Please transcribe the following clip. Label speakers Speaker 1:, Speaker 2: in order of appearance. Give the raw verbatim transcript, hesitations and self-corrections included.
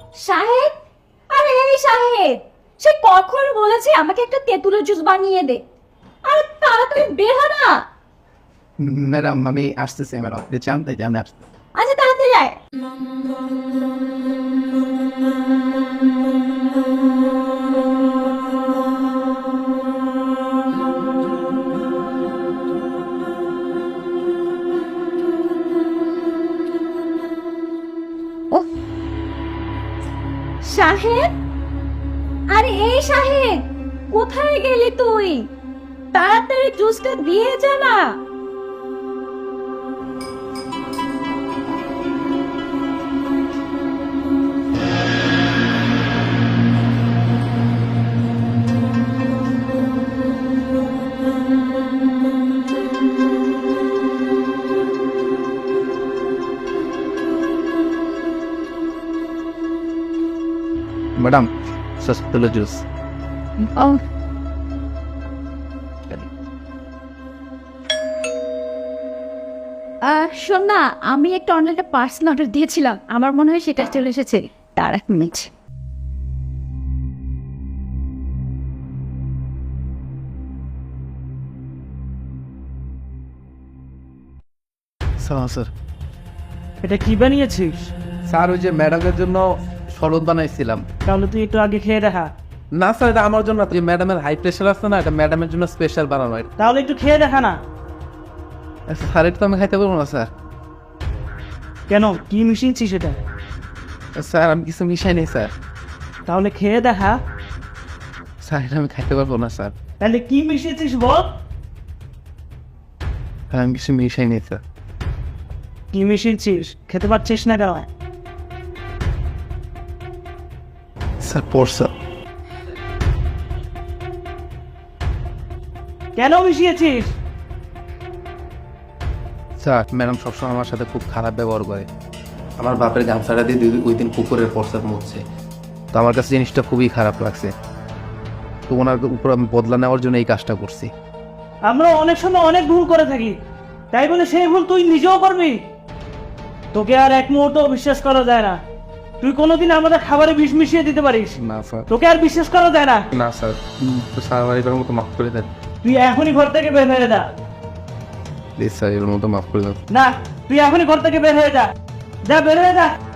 Speaker 1: শাহেদ, আরে এই শাহেদ, সে কখন বলেছে আমাকে একটা তেঁতুলের জুস বানিয়ে দে। আরে তাড়াতাড়ি বের হ না।
Speaker 2: ম্যাডাম আমি আসতেছি ম্যাডাম, জানতে জানে আসতে।
Speaker 1: আচ্ছা তাড়াতাড়ি আয়। উফ, শাহেদ, আরে এই শাহেদ, কোথায় গেলি তুই? তাড়াতাড়ি জুসটা দিয়ে যা না।
Speaker 2: Madam সস্তুলো juice.
Speaker 1: ও আহ, শোন না, আমি একটা অনলাইনে পার্সেল অর্ডার দিয়েছিলাম, আমার মনে হয় সেটা চলে এসেছে। তার এক মিনিট।
Speaker 2: স্যার
Speaker 3: এটা কি বানিয়েছিস?
Speaker 2: স্যার ওই যে ম্যাডামের জন্য শরবত বানাইছিলাম।
Speaker 3: তাহলে তুই একটু আগে খেয়ে দেখা।
Speaker 2: না স্যার, এটা আমার জন্য, যে ম্যাডামের হাই প্রেশার আছে না, এটা ম্যাডামের জন্য স্পেশাল বানানো। এটা
Speaker 3: তাহলে একটু খেয়ে দেখা না।
Speaker 2: স্যার এটা তো আমি খাইতে পারবো না স্যার।
Speaker 3: কেন, কি মিশিয়েছিস সেটা?
Speaker 2: স্যার আমি কিছু মিশাই নেই স্যার।
Speaker 3: তাহলে খেয়ে দেখা।
Speaker 2: স্যার এটা আমি খাইতে পারবো না স্যার।
Speaker 3: তাহলে কি মিশিয়েছিস বল।
Speaker 2: স্যার আমি কিছু মিশাই নেই স্যার।
Speaker 3: কি মিশিয়েছিস খেতে পারছিস না কেন?
Speaker 2: স্যার পড়ছে।
Speaker 3: কেন মিশিয়েছিস?
Speaker 2: স্যার ম্যাডাম সবসময় আমার সাথে খুব খারাপ ব্যবহার করে। আমার বাপের গামছাটা দিয়ে দুই- ওই দিন পুকুরের প্রস্তাব মুছছে, তো আমার কাছে জিনিসটা খুবই খারাপ লাগছে। তো ওনার উপর আমি বদলা নেওয়ার জন্য এই কাজটা করছি।
Speaker 3: আমরা অনেক সময় অনেক ভুল করে থাকি, তাই বলে সেই ভুল তুই নিজেও করবি? তোকে আর এক মুহূর্ত বিশ্বাস করা যায় না। তুই কোনোদিন আমাদের খাবারে বিষ মিশিয়ে দিতে পারিস?
Speaker 2: না স্যার।
Speaker 3: তোকে আর বিশ্বাস করা যায় না।
Speaker 2: না স্যার, তো স্যার আমার এবার মতো মাফ করে দেন
Speaker 3: তুই এখনই ঘর থেকে বের হয়ে যা।
Speaker 2: প্লিজ স্যার, এবার মতো মাফ করে দেন।
Speaker 3: না, তুই এখনই ঘর থেকে বের হয়ে যা। যা, বের হয়ে যা।